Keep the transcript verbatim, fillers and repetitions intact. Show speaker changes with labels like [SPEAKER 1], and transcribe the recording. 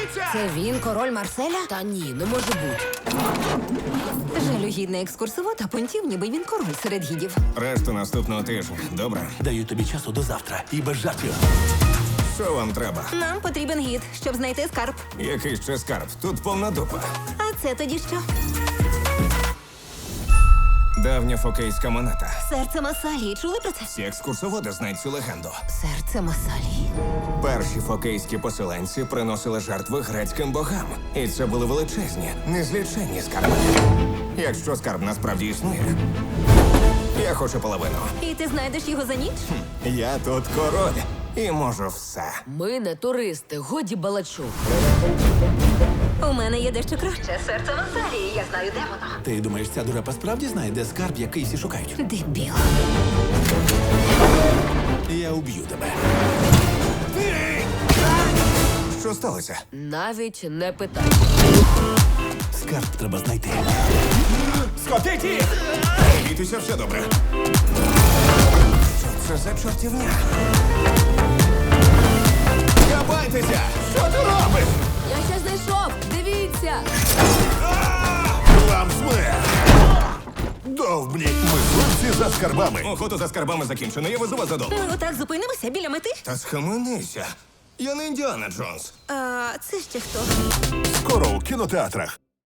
[SPEAKER 1] Відчиніться!
[SPEAKER 2] Це він, король Марселя? Та ні, не може бути.
[SPEAKER 3] Жалюгідний екскурсовод, а понтів, ніби він король серед гідів.
[SPEAKER 1] Решту наступного тижня. Добре?
[SPEAKER 4] Даю тобі часу до завтра. І без жартів.
[SPEAKER 1] Що вам треба?
[SPEAKER 3] Нам потрібен гід, щоб знайти скарб.
[SPEAKER 1] Який ще скарб? Тут повна дупа.
[SPEAKER 3] А це тоді що?
[SPEAKER 1] Давня фокейська монета.
[SPEAKER 3] Серце Масалії. Чули про це?
[SPEAKER 1] Всі екскурсоводи знають цю легенду.
[SPEAKER 3] Серце Масалії.
[SPEAKER 1] Перші фокейські поселенці приносили жертви грецьким богам. І це були величезні, незліченні скарби. Якщо скарб насправді існує, я хочу половину.
[SPEAKER 3] І ти знайдеш його за ніч?
[SPEAKER 1] Я тут король і можу все.
[SPEAKER 2] Ми не туристи, годі балачок.
[SPEAKER 3] У мене є дещо краще. Серце Масалії. Я знаю, де воно.
[SPEAKER 4] Ти думаєш, ця дурепа справді знає, де скарб, який всі шукають?
[SPEAKER 3] Дебіл.
[SPEAKER 4] Я уб'ю тебе.
[SPEAKER 1] Що сталося?
[SPEAKER 2] Навіть не питай.
[SPEAKER 4] Скарб треба знайти.
[SPEAKER 1] Скотиті! Бійтеся, все добре. Що це за чортівня? Кабайтеся! Що ти робиш?
[SPEAKER 2] Я ще знайшов! Дивіться!
[SPEAKER 5] Вам смерть! Довбні! Ми хлопці за скарбами.
[SPEAKER 1] Охота за скарбами закінчена, я везу вас додому.
[SPEAKER 3] Ми отак зупинимося біля мети?
[SPEAKER 1] Та схаменися. Я не Індіана Джонс.
[SPEAKER 3] А це ще хто?
[SPEAKER 5] Скоро у кінотеатрах.